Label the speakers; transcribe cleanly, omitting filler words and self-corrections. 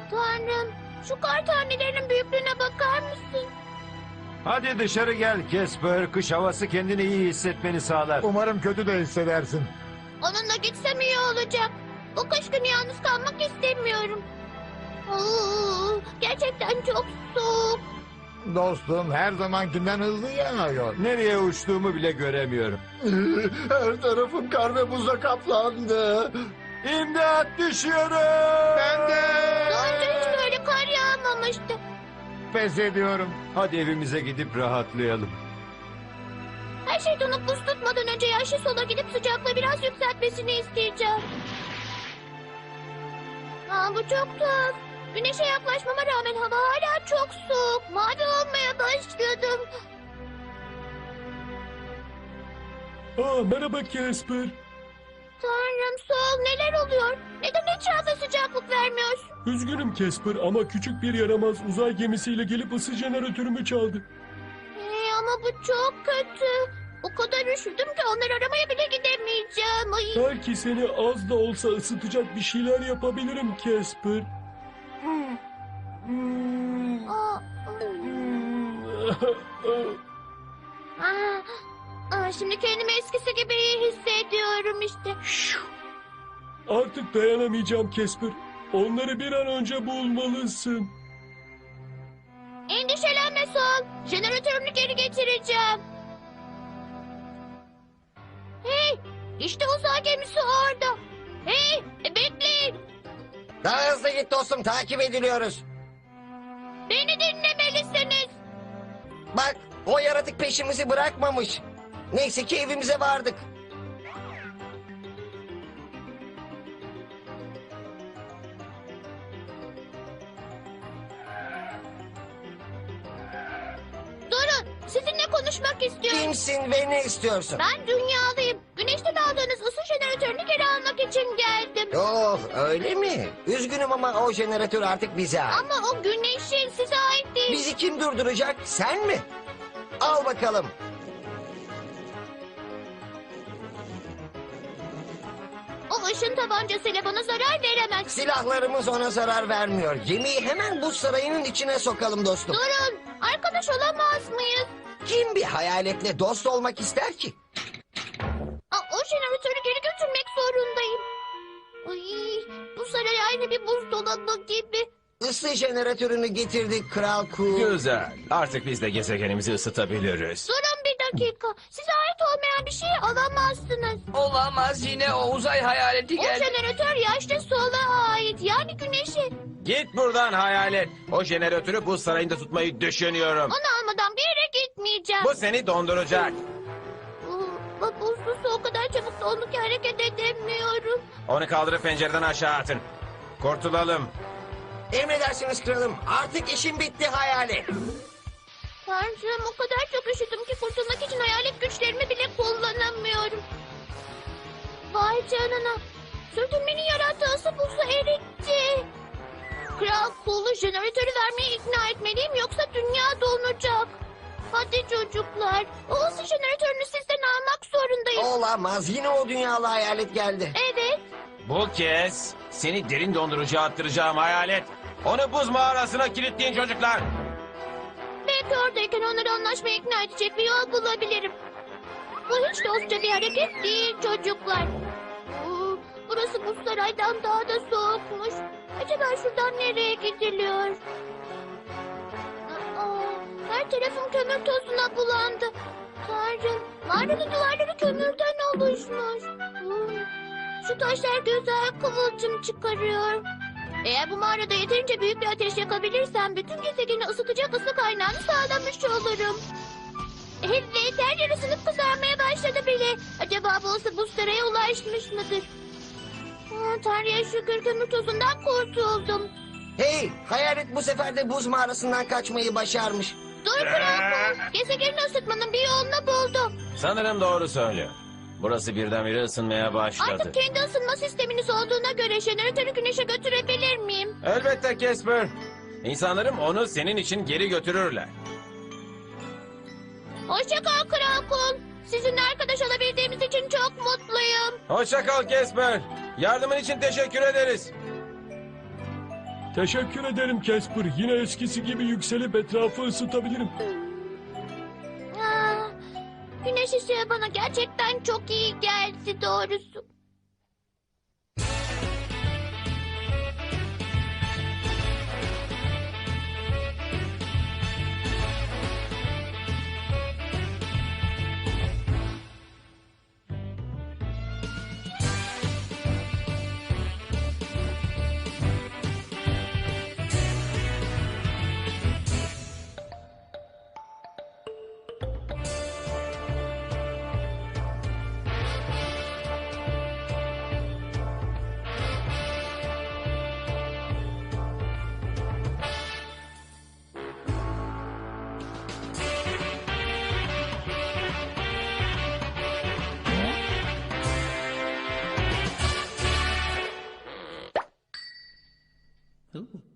Speaker 1: Tanrım, şu kar tanelerinin büyüklüğüne bakar mısın?
Speaker 2: Hadi dışarı gel Casper. Kış havası kendini iyi hissetmeni sağlar.
Speaker 3: Umarım kötü de hissedersin.
Speaker 1: Onunla gitsem iyi olacak. Bu kış günü yalnız kalmak istemiyorum. Gerçekten çok soğuk.
Speaker 3: Dostum her zamankinden hızlı yağıyor.
Speaker 2: Nereye uçtuğumu bile göremiyorum.
Speaker 3: Her tarafım kar ve buza kaplandı.
Speaker 2: İmdat, düşüyorum.
Speaker 3: Ben de.
Speaker 1: Daha önce hiç böyle kar yağmamıştı.
Speaker 3: Pes ediyorum.
Speaker 2: Hadi evimize gidip rahatlayalım.
Speaker 1: Her şey donup buz tutmadan önce yaşlı sola gidip sıcaklığı biraz yükseltmesini isteyeceğim. Bu çok tuhaf. Güneşe yaklaşmama rağmen hava hala çok soğuk. Mavi olmaya başladım.
Speaker 4: Merhaba Casper.
Speaker 1: Tanrım, Sol, neler oluyor? Neden etrafa sıcaklık vermiyorsun?
Speaker 4: Üzgünüm Casper ama küçük bir yaramaz uzay gemisiyle gelip ısı jeneratörümü çaldı.
Speaker 1: Ama bu çok kötü. O kadar üşüdüm ki onları aramaya bile gidemeyeceğim. Ay.
Speaker 4: Belki seni az da olsa ısıtacak bir şeyler yapabilirim Casper.
Speaker 1: Aa, Şimdi kendimi eskisi gibi iyi hissediyorum işte.
Speaker 4: Artık dayanamayacağım Casper. Onları bir an önce bulmalısın.
Speaker 1: Endişelenme Sol. Jeneratörünü geri getireceğim. Hey, işte uzay gemisi orada. Hey, bekleyin.
Speaker 5: Daha hızlı git dostum, takip ediliyoruz.
Speaker 1: Beni dinlemelisiniz.
Speaker 5: Bak, o yaratık peşimizi bırakmamış. Neyse ki evimize vardık.
Speaker 1: Durun, sizinle konuşmak istiyorum.
Speaker 5: Kimsin ve ne istiyorsun?
Speaker 1: Ben dünyalıyım. Güneşten aldığınız ısı jeneratörünü geri almak için geldim.
Speaker 5: Oh, öyle mi? Üzgünüm ama o jeneratör artık bize ait.
Speaker 1: Ama o güneşin size ait değil.
Speaker 5: Bizi kim durduracak? Sen mi? Al bakalım.
Speaker 1: O ışın tabancasıyla bana zarar veremez.
Speaker 5: Silahlarımız ona zarar vermiyor. Gemiyi hemen buz sarayının içine sokalım dostum.
Speaker 1: Durun, arkadaş olamaz mıyız?
Speaker 5: Kim bir hayaletle dost olmak ister ki?
Speaker 1: O jeneratörü geri götürmek zorundayım. Ay, bu saray aynı bir buzdolabı gibi.
Speaker 5: Isı jeneratörünü getirdik Kral Ku.
Speaker 6: Güzel. Artık biz de gezegenimizi ısıtabiliriz.
Speaker 1: Durun bir dakika. Size ait olmayan bir şeyi alamazsınız.
Speaker 7: Olamaz, yine o uzay hayaleti
Speaker 1: O
Speaker 7: geldi.
Speaker 1: jeneratör yaşlı sola ait. Yani güneşe.
Speaker 6: Git buradan hayalet. O jeneratörü buz sarayında tutmayı düşünüyorum.
Speaker 1: Onu almadan bir yere gitmeyeceğim.
Speaker 6: Bu seni donduracak.
Speaker 1: Bak buzlu su o kadar çabuk dondu ki hareket edemiyorum.
Speaker 6: Onu kaldırıp pencereden aşağı atın. Kurtulalım.
Speaker 5: Emredersiniz kralım. Artık işim bitti hayalet.
Speaker 1: Tanrım, o kadar çok üşüdüm ki kurtulmak için hayalet güçlerimi bile kullanamıyorum. Vay canına. Sürtünmenin yarattığı ısı buzu eritti. Kral Kulu jeneratörü vermeye ikna etmeliyim yoksa dünya donacak. Hadi çocuklar. O ısı jeneratörünü sizden almak zorundayım.
Speaker 5: Olamaz. Yine o dünyalı hayalet geldi.
Speaker 1: Evet.
Speaker 6: Bu kez seni derin dondurucuya attıracağım hayalet. Onu buz mağarasına kilitleyin çocuklar.
Speaker 1: Belki oradayken onları anlaşmaya ikna edecek bir yol bulabilirim. Bu hiç dostça bir hareket değil çocuklar. Burası bu saraydan daha da soğukmuş. Acaba şuradan nereye gidiliyor? Her tarafım kömür tozuna bulandı. Tanrım, mağaranın duvarları kömürden oluşmuş. Şu taşlar güzel kıvılcım çıkarıyor. Eğer bu mağarada yeterince büyük bir ateş yakabilirsem bütün gezegeni ısıtacak ısı kaynağını sağlamış olurum. Evet, her yer ısınıp kızarmaya başladı bile. Acaba bu ısı buz saraya ulaşmış mıdır? Tanrı'ya şükür kömür tozundan kurtuldum.
Speaker 5: Hey, hayalet bu sefer de buz mağarasından kaçmayı başarmış.
Speaker 1: Dur Krakol, gezegeni ısıtmanın bir yolunu buldum.
Speaker 6: Sanırım doğru söylüyor. Burası birdenbire ısınmaya başladı.
Speaker 1: Artık kendi ısınma sisteminiz olduğuna göre jeneratörü güneşe götürebilir miyim?
Speaker 6: Elbette Casper. İnsanlarım onu senin için geri götürürler.
Speaker 1: Hoşça kal Krakol. Sizinle arkadaş olabildiğimiz için çok mutluyum.
Speaker 6: Hoşça kal Casper. Yardımın için teşekkür ederiz.
Speaker 4: Teşekkür ederim Casper. Yine eskisi gibi yükselip etrafı ısıtabilirim.
Speaker 1: Ah, güneş ışığı bana gerçekten çok iyi geldi doğrusu.
Speaker 8: Ooh.